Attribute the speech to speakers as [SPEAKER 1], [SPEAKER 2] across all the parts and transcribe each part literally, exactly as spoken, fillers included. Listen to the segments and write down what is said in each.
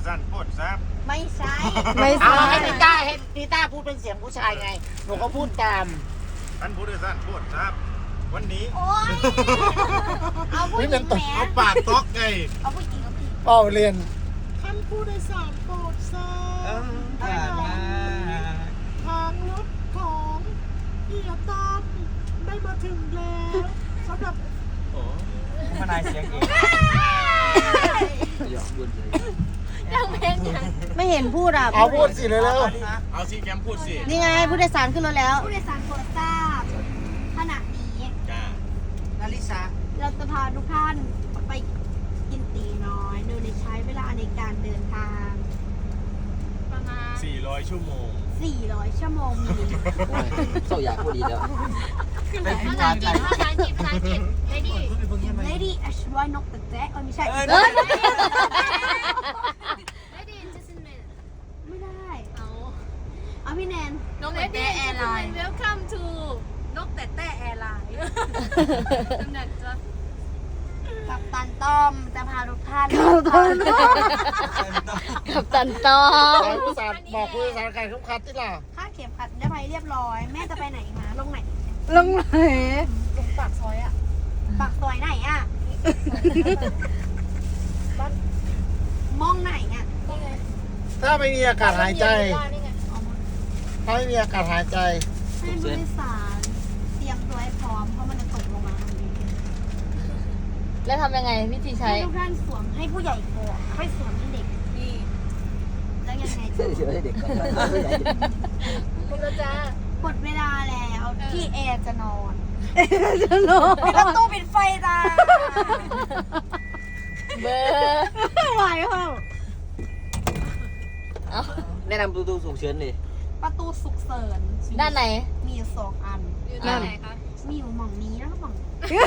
[SPEAKER 1] สั้นโคตรซับ
[SPEAKER 2] ไม่ใช่
[SPEAKER 3] ไม่ใช่
[SPEAKER 4] ให้นิต้าให้นิต้าพูดเป็นเสียงผู้ชายไงหนูก็พูดตาม
[SPEAKER 1] ท่านผู้โดยสารโคตรซับวันนี้
[SPEAKER 2] โอ้ยเอาผู้หญิงแหม
[SPEAKER 1] เอาปากต๊อกไง
[SPEAKER 2] เอาผู้หญิงเอาผู้หญิง
[SPEAKER 3] เป่าเรียน
[SPEAKER 4] ท่านผู้โดยสารโปรดทราบทางรถของเอียตันได้มาถึงแล้วสำหรับ
[SPEAKER 5] ทนายเสียงเอง
[SPEAKER 2] ยังเพลงยัง
[SPEAKER 3] ไม่เห็นพูดอ่ะเอาพูดสิเลยแล้ว
[SPEAKER 1] เอาซีแกมพูดสิ
[SPEAKER 3] นี่ไงผู้โดยสารขึ้นรถแล้ว
[SPEAKER 2] ผู้โดยสารโปรดทราบขณะนี้
[SPEAKER 1] จ้า
[SPEAKER 4] นาริสา
[SPEAKER 2] เราจะพาทุกท่านไปกินตีน้อยโดยใช้เวลาในการเดินทางประมาณ
[SPEAKER 1] สี่ร้อยชั่วโมง
[SPEAKER 2] สี่ร้อยชั่วโมงมี
[SPEAKER 5] โซอยากพูดดีแล้ว
[SPEAKER 2] ภาษาอังกฤษภาษาอังกฤษภาษาอังกฤษ lady lady อชวานกตะแจ๊เออไม่ใช่ lady just a minute ไม่ได้เอาเอาพี่แนนนกแต่แต่แอร์ไลน์ welcome to นกแต่แต่แอร์ไลน์ตำแหน่งจะกับตันต้อมจะพาทุกท่าน
[SPEAKER 3] กับตันต้อมผู้โดยสารบอกผู้โดยสารใครคุ้มคัดที่ล่ะ
[SPEAKER 2] ค่าเข็มขัดได้ไปเรียบร้อยแม่จะไปไหนมาลงไหน
[SPEAKER 3] ลงไหน
[SPEAKER 2] ลงปากซอยอ่ะปากซอยไหนอ่ะมองไหนอ่ะ
[SPEAKER 3] ถ้าไม่มีอากาศหายใจถ้าไม่มีอากาศหายใจ
[SPEAKER 2] ให้ผู้โดยสารเตรียมตัวให้พร้อมเพราะมันจะตกลงมาทันที
[SPEAKER 3] แล้วทำยังไงวิธีใช้
[SPEAKER 2] ให้ทุกท่านสวมให้ผู้ใหญ่ก่อนค่อยสวมให้เด็กนี่แล้วยังไงจะ
[SPEAKER 5] เดี๋ยวให้เด็กก่อน
[SPEAKER 2] คุณจะหมดเวลาแล้วที่แอร์จะนอน
[SPEAKER 3] จะนอน
[SPEAKER 2] ปิดประตูปิดไฟจ้า
[SPEAKER 3] เบอร์ไหวเปล่า
[SPEAKER 5] แนะนำประตูฉุกเฉินดิ
[SPEAKER 2] ประตูฉุกเฉิน
[SPEAKER 3] ด้านไหน
[SPEAKER 2] มีอยู่สองอันอยู่ด้านไหนคะมีอยู่หม่องนี้แล้วก็หม่อง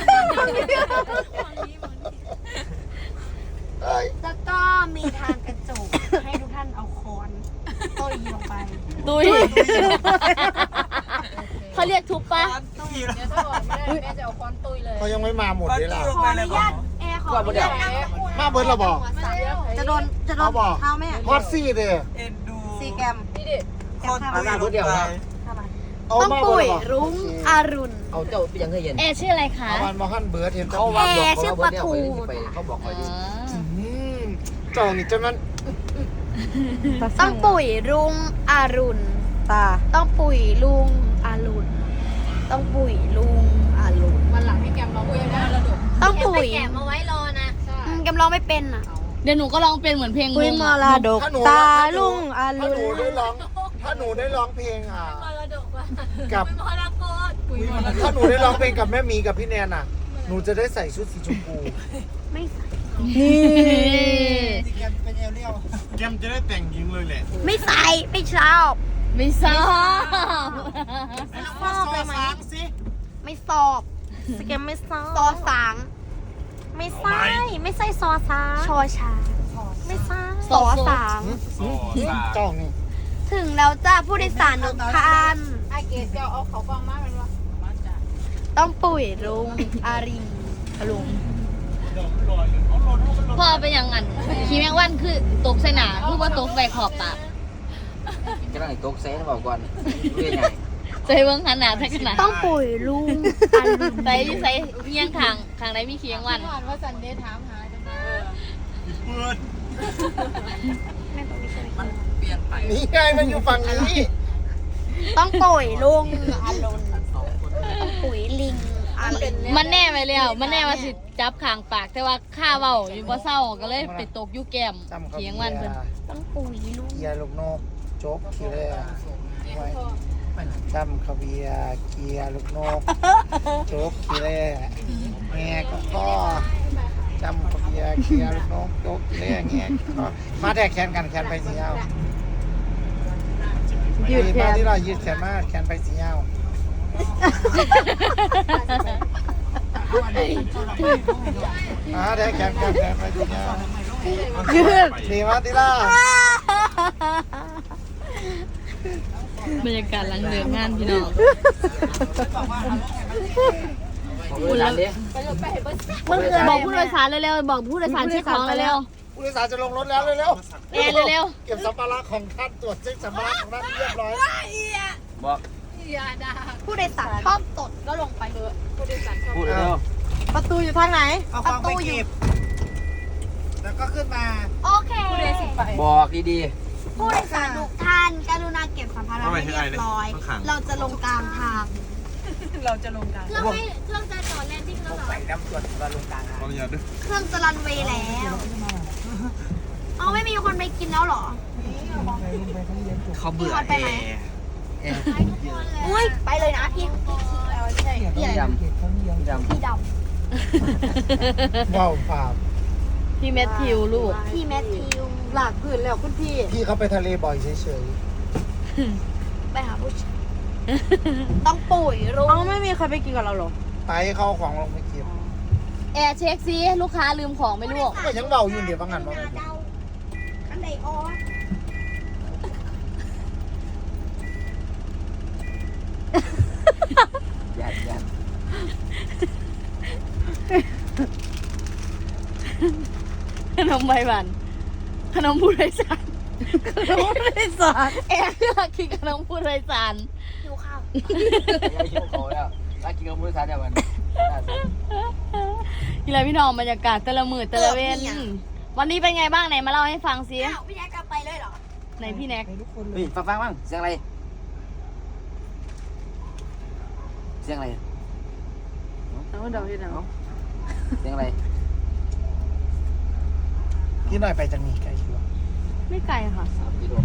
[SPEAKER 2] แล้วก็มีทางกระจกให้ทุกท่านเอาค้อนตุยลงไป
[SPEAKER 3] ตุยเขาเรียกทุบปะ
[SPEAKER 2] เดี๋ยวถ้าบอกไม่ได้แม่จะเอาค้อนตุยเลย
[SPEAKER 3] เขายังไม่มาหมดเลยล่ะ
[SPEAKER 2] ขออนุญาตแอร์ขออนุญาต
[SPEAKER 3] มาเบิร์ดเราบอก
[SPEAKER 2] จะโดนจะโดนเท้าแม่
[SPEAKER 3] ฮอตซี่เด้
[SPEAKER 2] ซีแกมนี่ดิ
[SPEAKER 5] แกมทำมาเพื่อเดียวนะ
[SPEAKER 2] ต้องปุ๋ยรุ้งอรุณ
[SPEAKER 5] เอาเจ้าไปยังเคยเห็น
[SPEAKER 3] แอร์ชื่ออะไรคะ
[SPEAKER 5] วันมอฮันเบิร์ดเห็นเขา
[SPEAKER 2] แอร์ชื่อปะทู
[SPEAKER 5] เขาบอกคอยดิ
[SPEAKER 3] เจ้านี่จะมัน
[SPEAKER 2] ต้องปุ๋ยรุ้งอรุณตาต้องปุ๋ยลุงอรุณต้องปุ๋ยลุงอรุณวันหลังให้แกมร้องเพลงได้แล้วต้องปุ๋ยแกมเอาไว้รอนะแกมร้องไม่เป็นอ่ะ
[SPEAKER 3] เดี๋ยวหนูก็ร้องเป็นเหมือนเพลง
[SPEAKER 2] ปุ๋ยมรดกตาลุงอรุณ
[SPEAKER 3] ถ้าหนูได้ร้องถ้าหนูได้ร้องเพลงอ่ะกับถ้าหนูได้ร้องเพลงกับแม่มีกับพี่แนนอ่ะหนูจะได้ใส่ชุดสีชมพู
[SPEAKER 2] ไม่ใส่
[SPEAKER 4] แกมเป็นเอลเลี้ยว
[SPEAKER 1] แกมจะได้แต่งหญิงเลยแหละ
[SPEAKER 2] ไม่ใส่ไม่ชอบ
[SPEAKER 3] ไม่ชอบ
[SPEAKER 2] ชอบไปไหมไม่สอบสแกมไม่สอบซอสางไม่ใช่ไม่ใช่ซอสางชอชาไม่ใช่ซอสาง
[SPEAKER 3] จ้องนี่
[SPEAKER 2] ถึงแล้วจ้าผู้โดยสารทุกท่าน
[SPEAKER 6] ไอเกสจะเอาเขากองมากเป็นว่า
[SPEAKER 2] ต้องปุ๋ยรุงอาริน
[SPEAKER 3] ลุงพ่อเป็นอย่างนั้นขี้แมงวันคือตกใส่หนาคือว่าตกใส่ขอบปาก
[SPEAKER 5] จะต้องตกเซนบอกก่อนเรื่องไง
[SPEAKER 3] ใส่เบิ้งขนาดใส่ขนาด
[SPEAKER 2] ต้องปุ๋ยลุงอาริน
[SPEAKER 3] ใส่ใส่เงี้ยงขางขางไหนมีขี้แมงวัน
[SPEAKER 6] ว่าสันเดย์ถามหาจังเลย
[SPEAKER 1] เปิด
[SPEAKER 5] มันเปลี่ยนไป
[SPEAKER 3] นี่ไงมันอยู่ฝั่งนี้
[SPEAKER 2] ต้องปุ๋ยลุงอารุณต้องปุ๋ยลิง
[SPEAKER 3] มันแน่ไปแล้วมันแน่ว่าสิจับขางปากแต่ว่าข้าเว้าอยู่บ่เศร้าก็เลยไปตกอยู่แก้มเขียงวันเพิ่น
[SPEAKER 2] ต้องปุ๋ยลุง
[SPEAKER 3] เกียร์ลูกนกโจ๊กขี้แร่จำขบียเกียร์ลูกนกโจ๊กขี้แร่แง่ก็ก็จำขบียเกียร์ลูกนกโจ๊กขี้แร่แง่ก็มาแทกแขนกันแขนไปสียาวยืดแขนที่เรายืดแขนมากแขนไปสียาวอ่าแทกแขนกันแขนไปสียาวยืดดีมากที่ล่ะบรรยากาศหลังเดินงานพี่น้องบอกผู้โดยสารเร็วๆบอกผู้โดยสารเช็คของเร็วผู้โดยสารจะลงรถแล้วเร็วๆ
[SPEAKER 7] แอนเร็ว
[SPEAKER 3] เก็บสัมภาระของท่านตรวจเช็คสัมภาระของท่านเรียบร้อย
[SPEAKER 5] บอก
[SPEAKER 6] อย่าด่า
[SPEAKER 2] ผู้โดยสารชอบตดก็ลงไปเถอะ
[SPEAKER 6] ผู้โดยสารชอบ
[SPEAKER 5] พูดเร็ว
[SPEAKER 4] ประตูอยู่ทางไหน
[SPEAKER 3] เอาของไปเก็บแล้วก็ขึ้นมา
[SPEAKER 2] โอเค
[SPEAKER 6] ผู้โดยสารไป
[SPEAKER 5] บอกดี
[SPEAKER 2] ผู้โดยสารทุกท่านกรุณาเก็บสัมภาระให้เรียบร้อย เราจะลงกลางทาง
[SPEAKER 6] เราจะลงกัน
[SPEAKER 2] เครื่องไม่เครื่องจะจอดแลนดิ้งแล้วเหรอ
[SPEAKER 3] ไปน้ำตรวจมาลงกลาง
[SPEAKER 1] ขออนุญาตด้วย
[SPEAKER 2] เครื่องจะรันเวย์แล้ว เอาไม่มีคนไปกินแล้วเหรอ
[SPEAKER 1] เขาเบื่อ
[SPEAKER 2] ไป
[SPEAKER 1] แอ
[SPEAKER 2] ไหม
[SPEAKER 1] ร์
[SPEAKER 2] โอ้ยไปเลยนะพี่พี่
[SPEAKER 5] ๆ
[SPEAKER 2] พี่
[SPEAKER 5] พี่
[SPEAKER 2] อะไร
[SPEAKER 5] ด
[SPEAKER 2] นะ
[SPEAKER 5] ำพี่ดำ
[SPEAKER 2] พี่ด
[SPEAKER 3] ว้าวฝาบ
[SPEAKER 7] ๆพี่แมทธิวลูก
[SPEAKER 2] ำพี่แมทธิว
[SPEAKER 4] หลากพื้นแล้วคุณพี่
[SPEAKER 3] พี่เขาไปทะเลบ่อยเฉย
[SPEAKER 2] ไปหาผู้ชายต้องปุ๋ยรุ่
[SPEAKER 4] เอา ไม่มีใครไปกินกับเราหรอ
[SPEAKER 3] ๆไปเข้าของลงไปเก็บ
[SPEAKER 7] แอร์เช็คซิลูกค้าลืมของไหมลูก
[SPEAKER 3] ก็ยังเบาอยู่เดี๋ยวบางงานว่า
[SPEAKER 2] เดาอันใดออ
[SPEAKER 5] หยาดหยาด
[SPEAKER 7] ขนมใบหวานขนมผู้โดยสารขนมผู้โดยสารแอร์เลือกกินขนมผู้โดยสาร
[SPEAKER 2] หิวข้าว
[SPEAKER 5] ยายคิวเขาแล้วรักกินกับผู้โดยสารเดียวกัน
[SPEAKER 7] นี่แหละพี่น้องบรรยากาศแต่ละมือแต่ละเว้นวันนี้เป็นไงบ้างไหนมาเล่าให้ฟังซิ
[SPEAKER 2] อ้าวพี่แจ๊คกลับไปเลยเหรอ
[SPEAKER 7] ไหนพี่แน็ก
[SPEAKER 5] เฮ้ยฟังฟังบ้างเสียงอะไรเสียงอะไร
[SPEAKER 4] เอาเดาที่ไหน
[SPEAKER 5] เสียงอะไร
[SPEAKER 3] พี่หน่อยไปจะมีไกลอยู่
[SPEAKER 7] ไม่ไกลค่ะ
[SPEAKER 5] สามกิโล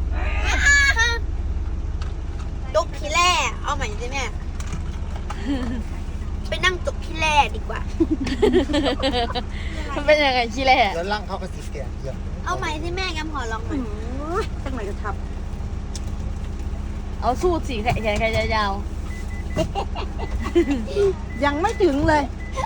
[SPEAKER 2] จุกขี้แร่เอาใหม่สิแม่ไปนั่งจุกขี้แร่ดีกว่า
[SPEAKER 7] มันเป็นยังไงชิแล่
[SPEAKER 3] แล้วร่างเขาก็สิแก่เยี่ยม
[SPEAKER 2] เอาใหม่สิแม่แกมขอลองหน่อย
[SPEAKER 4] ตั้งไหนจะทับ
[SPEAKER 7] เอาสู้สีแขนแขนแขนยาว
[SPEAKER 4] ยังไม่ถึงเลย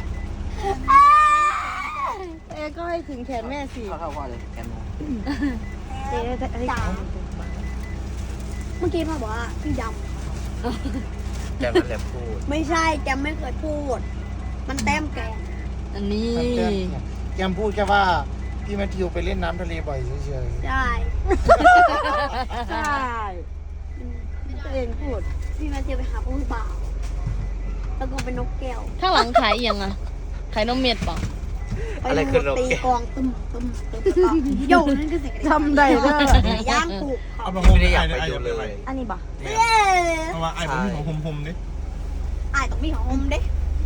[SPEAKER 4] เอก็ให้ถึงแขนแม่สิ
[SPEAKER 5] เข้าเข้าพ่อเลยแกนโม
[SPEAKER 4] เอ๊ะแต่ไอ้
[SPEAKER 2] จ๋าเมื่อกี้พ่อบอกว่าพี่ด
[SPEAKER 1] แกมันแหลมพูด
[SPEAKER 2] ำไม่ใช่แกมไม่เคยพูด มันแต้มแกม
[SPEAKER 7] ๆอันนี้
[SPEAKER 3] มันเต้นเนี่ยแกมพูดแค่ว่า พี่แมทธิวไปเล่นน้ำทะเลบ่อยเฉย
[SPEAKER 2] ใช่
[SPEAKER 4] ใช่ตัวเองพูด
[SPEAKER 2] พี่แมทธิวไปหาผู้บ่าวแล้วก็เป็นนกแก้ว
[SPEAKER 7] ข้างหลังขายเอียงอะขายนมเม็ดเปล่า
[SPEAKER 2] ไปดูตีกลองตึมตึมตึมตึมโยนั่นคือเสียง
[SPEAKER 4] ทำได้เด้อ
[SPEAKER 2] ย่างปลูกเขา
[SPEAKER 1] เอามาโฮมไม่ได้อยากไปดูเลย
[SPEAKER 4] อันนี้บ่
[SPEAKER 2] เย้
[SPEAKER 1] เพราะว่าไอ้ผมมีของโฮมๆนี่
[SPEAKER 2] อายต้องมีของอมเด้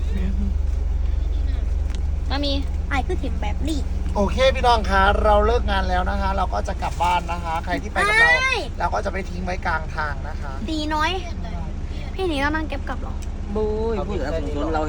[SPEAKER 7] มามี
[SPEAKER 2] อายคือถิ่มแบบนี้
[SPEAKER 3] ๆโอเคพี่น้องคะเราเลิกงานแล้วนะคะ เราก็จะกลับบ้านนะคะ ใครที่ไปกับเรา
[SPEAKER 2] ไม่
[SPEAKER 3] เราก็จะไปทิ้งไว้กลางทางนะคะ
[SPEAKER 2] ตีน้อย พี่หนีแล้วนั่งเก็บกลับเหรอ
[SPEAKER 4] บุย
[SPEAKER 5] เขาพูดถึงเรา